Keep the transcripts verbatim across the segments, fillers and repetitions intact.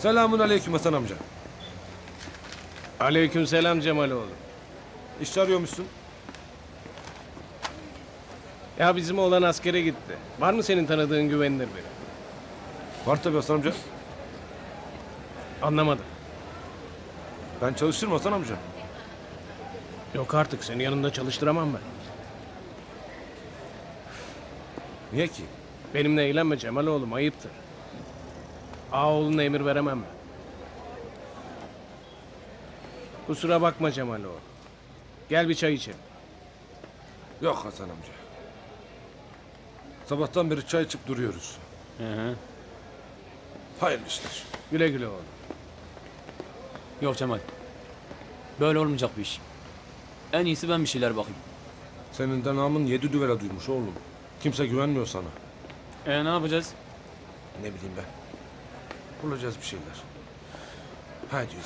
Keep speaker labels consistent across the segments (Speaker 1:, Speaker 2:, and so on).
Speaker 1: Selamun aleyküm Hasan amca.
Speaker 2: Aleykümselam Cemaloğlu.
Speaker 1: İş arıyormuşsun.
Speaker 2: Ya bizim oğlan askere gitti. Var mı senin tanıdığın güvenilir biri?
Speaker 1: Var tabii Hasan amca.
Speaker 2: Anlamadım.
Speaker 1: Ben çalışırım Hasan amca.
Speaker 2: Yok artık, seni yanında çalıştıramam ben.
Speaker 1: Niye ki?
Speaker 2: Benimle eğlenme Cemaloğlum, ayıptır. Ağaoğluna emir veremem ben. Kusura bakma Cemaloğlu. Gel bir çay içelim.
Speaker 1: Yok Hasan amca. Sabahtan beri çay içip duruyoruz.
Speaker 3: Hı hı.
Speaker 1: Hayırlı işler.
Speaker 2: Güle güle oğlum.
Speaker 3: Yok Cemal. Böyle olmayacak bir iş. En iyisi ben bir şeyler bakayım.
Speaker 1: Senin de namın yedi düvele duymuş oğlum. Kimse güvenmiyor sana.
Speaker 3: E ne yapacağız?
Speaker 1: Ne bileyim ben. Bulacağız bir şeyler. Hadi yürü.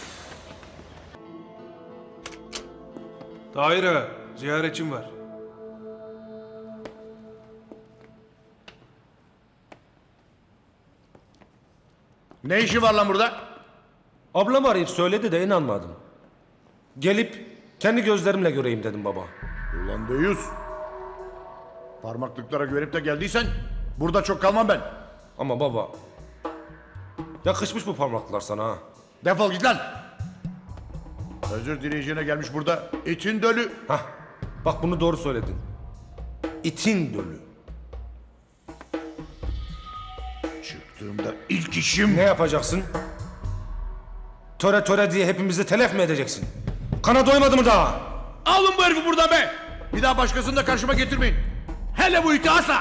Speaker 4: Tahir'e ziyaretçim var.
Speaker 5: Ne işi var lan burada?
Speaker 1: Ablam arayıp söyledi de inanmadım. Gelip kendi gözlerimle göreyim dedim baba.
Speaker 5: Ulan deyiz. Parmaklıklara güvenip de geldiysen burada çok kalmam ben.
Speaker 1: Ama baba... Yakışmış bu parmaklar sana ha.
Speaker 5: Defol git lan. Özür dileyeceğine gelmiş burada itin dölü.
Speaker 1: Hah, bak bunu doğru söyledin. İtin dölü.
Speaker 5: Çıktığımda ilk işim...
Speaker 1: Ne yapacaksın? Töre töre diye hepimizi telef mi edeceksin? Kana doymadı mı daha?
Speaker 5: Alın bu herifi buradan be. Bir daha başkasını da karşıma getirmeyin. Hele bu iti asla.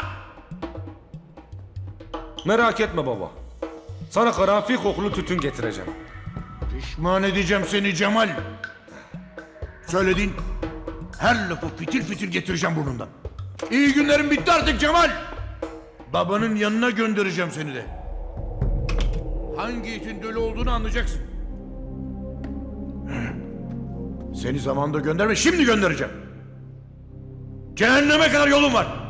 Speaker 1: Merak etme baba. Sana karanfil kokulu tütün getireceğim.
Speaker 5: Pişman edeceğim seni Cemal. Söylediğin her lafı fitil fitil getireceğim burnundan. İyi günlerin bitti artık Cemal. Babanın yanına göndereceğim seni de. Hangi itin dölü olduğunu anlayacaksın. Seni zamanında gönderme, şimdi göndereceğim. Cehenneme kadar yolun var.